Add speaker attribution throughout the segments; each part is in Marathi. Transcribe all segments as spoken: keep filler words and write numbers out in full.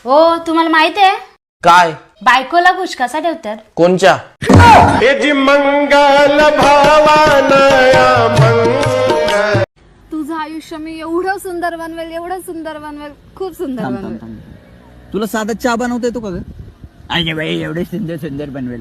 Speaker 1: हो तुम्हाला माहिती आहे
Speaker 2: काय?
Speaker 1: बायकोला घुश कसा ठेवतात?
Speaker 2: कोणच्या?
Speaker 3: मंगल भावानया मंगल.
Speaker 4: तुझं आयुष्य मी एवढं सुंदर बनवेल, एवढं सुंदर बनवेल, खूप सुंदर बनवेल.
Speaker 5: तुला साधा चहा बनवता येतो का ग? अरे बाई एवढे सुंदर सुंदर बनवेल.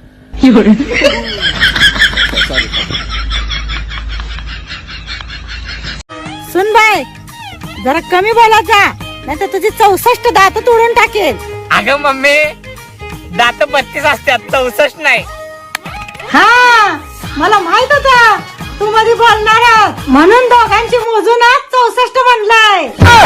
Speaker 6: सुन बाय, जरा कमी बोलायचा, नाही तर तुझी चौसष्ट दात तोडून टाकेल.
Speaker 7: अगं मम्मी, दात बत्तीस असतात, चौसष्ट नाही.
Speaker 6: हा मला माहित होता तू मध्ये बोलणार आहेस. म्हणून दोघांची मोजून आज चौसष्ट म्हणलाय.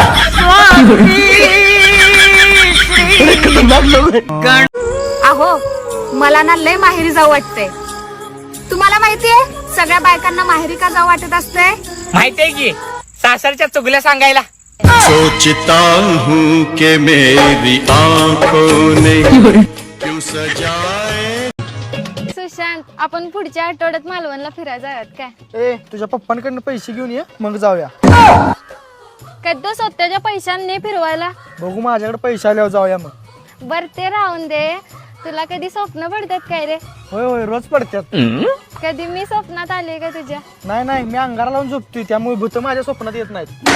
Speaker 4: अहो मला ना लय माहेरी जाऊ वाटते. तुम्हाला माहितीये सगळ्या बायकांना माहेरी का जाऊ वाटत असते?
Speaker 7: माहितीये की सासरच्या चुगल्या सांगायला.
Speaker 3: सोचता हूँ कि मेरी आंखों ने क्यों सजाए.
Speaker 4: सुशांत, आपण पुढच्या आठवड्यात मालवणला फिरायला जाऊयात काय?
Speaker 8: ए तुझ्या पप्पांकडनं पैसे घेऊन ये मग जाऊया.
Speaker 4: कधी स्वतःच्या पैशांनी फिरवायला?
Speaker 8: बघू माझ्याकडे पैसे आल्यावर जाऊया मग.
Speaker 4: बर ते राहून दे, तुला कधी स्वप्न पडतात काय रे?
Speaker 8: होय होय रोज पडतात.
Speaker 4: कधी मी स्वप्नात आले का तुझ्या?
Speaker 8: नाही नाही मी अंगारा लावून झोपतोय त्यामुळे भूत माझ्या स्वप्नात येत नाहीत.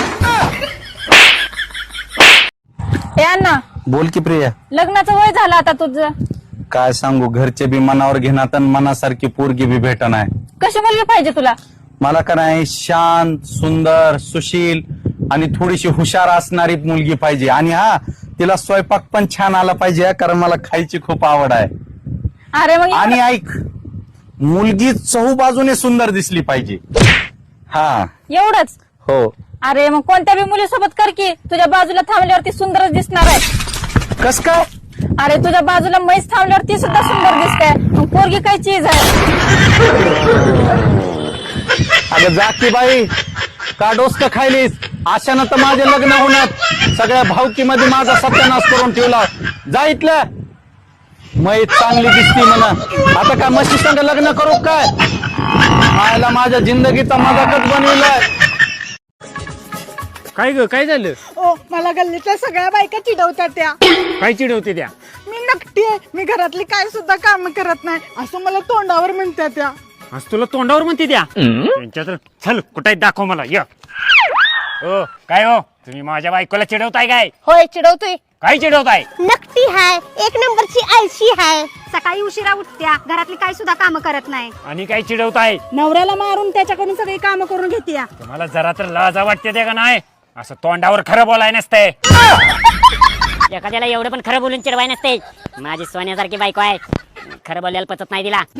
Speaker 6: ए अण्णा,
Speaker 9: बोल की प्रिया.
Speaker 6: लग्नाचं वय झालं आता तुझं.
Speaker 9: काय सांगू, घरचे बी मनावर घेणार आणि मनासारखी पोरगी बी भेटना आहे.
Speaker 6: कशी मुलगी पाहिजे तुला?
Speaker 9: मला का नाही शांत, सुंदर, सुशील आणि थोडीशी हुशार असणारी मुलगी पाहिजे. आणि हा तिला स्वयंपाक पण छान आला पाहिजे, कारण मला खायची खूप आवड आहे.
Speaker 6: अरे मग
Speaker 9: आणि ऐक, मुलगी चहू बाजूने सुंदर दिसली पाहिजे. हा
Speaker 6: एवढंच?
Speaker 9: हो.
Speaker 6: अरे मग कोणत्या बी मुलीसोबत कर की, तुझ्या बाजूला थांबल्यावरती सुंदरच दिसणार आहे.
Speaker 9: कस काय?
Speaker 6: अरे तुझ्या बाजूला म्हैस थांबल्यावर ती सुद्धा सुंदर दिसते. मग पोरगी काय चीज आहे?
Speaker 9: अगं जा की बाई, का डोसकं खायलीस? अशानं तर माझे लग्न होणार. सगळ्या भावकीमध्ये माझा सत्यानाश करून ठेवला. जा इथलं. मै चांगली दिसती म्हणा. आता काय म्हशी संग लग्न करू काय? आयला माझ्या जिंदगीचा मजाकच बनविलाय.
Speaker 7: काय ग, काय झालं?
Speaker 6: ओ मला गल्लीतल्या सगळ्या बायका चिडवतात त्या.
Speaker 7: काय चिडवते त्या?
Speaker 6: मी नकटी आहे, मी घरातली काय सुद्धा काम करत नाही असं मला तोंडावर म्हणतात त्या.
Speaker 7: आज तुला तोंडावर म्हणते त्या? त्यांच्या तर चल कुठे दाखव मला. य हो काय हो, तुम्ही माझ्या बायकोला चिडवताय काय?
Speaker 4: होय चिडवतोय.
Speaker 7: काय चिडवताय?
Speaker 4: नकटी हाय, एक नंबरची आळशी हाय, सकाळी उशिरा उठत्या, घरातली काय सुद्धा काम करत नाही.
Speaker 7: आणि काय चिडवताय?
Speaker 6: नवऱ्याला मारून त्याच्याकडून सगळी काम करून घेते.
Speaker 7: तुम्हाला जरा तर लाजा वाटते ते का नाही? असं तोंडावर खरं बोलाय नसतंय.
Speaker 10: एखाद्याला एवढं पण खरं बोलून चिडवाय नसते. माझी सोन्यासारखी बायको आहे, खरं बोलायला पचत नाही तिला.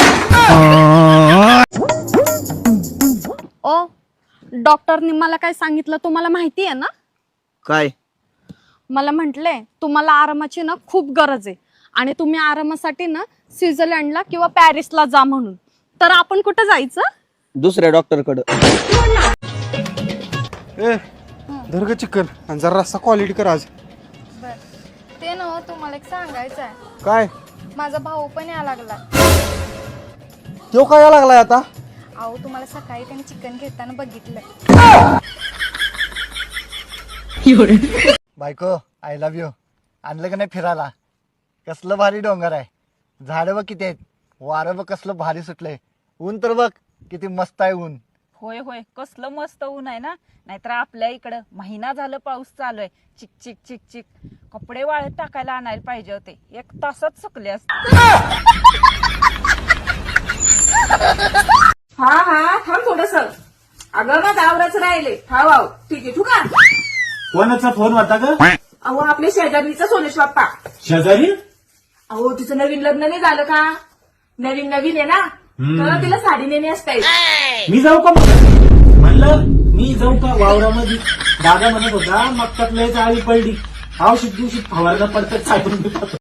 Speaker 4: ओ डॉक्टरनी मला काय सांगितलं तुम्हाला माहिती आहे ना?
Speaker 5: काय?
Speaker 4: मला म्हटले तुम्हाला आरामाची ना खूप गरज आहे आणि तुम्ही आरामासाठी ना स्वित्झर्लंडला किंवा पॅरिसला जा म्हणून. तर आपण कुठं जायचं?
Speaker 5: दुसऱ्या डॉक्टर कडे.
Speaker 8: ए धर चिकन आणि जरा रस्सा क्वालिटी कर आज.
Speaker 4: ते ना तुम्हाला एक सांगायचं आहे.
Speaker 8: काय?
Speaker 4: माझा भाऊ पण या लागला.
Speaker 8: तो काय लागलाय आता?
Speaker 4: अहो तुम्हाला सकाळी त्याने चिकन घेताना बघितलं.
Speaker 8: बायको आय लव्ह यू. आणलं का नाही फिरायला? कसलं भारी डोंगर आहे, झाडं बघ किती आहेत, वारं बघ कसलं भारी सुटलंय, ऊन तर बघ किती मस्त आहे ऊन.
Speaker 6: होय होय कसलं मस्त ऊन आहे ना. नाहीतर आपल्या इकडं महिना झालं पाऊस चालू आहे, चिक चिक चिक चिक. कपडे वाळत टाकायला आणायला पाहिजे होते, एक तासात सुकले असते. हा हा थांब थोडस. अगं मग आवराच राहिले. हा वाव ठीक आहे. तू का
Speaker 9: कोणाचा फोन होता ग?
Speaker 6: अहो आपल्या शेजारीचा सोनेश बाप्पा.
Speaker 9: शेजारी?
Speaker 6: अहो तिचं नवीन लग्न नाही झालं का? नवीन नवीन आहे ना, तर तिला साडी नेणे असते.
Speaker 9: मी जाऊ का? म्हणलं मी जाऊ का वावरामध्ये? दादा म्हणत होता मग लय जाळी पडली, औषध दिवशी फवारला पडतात.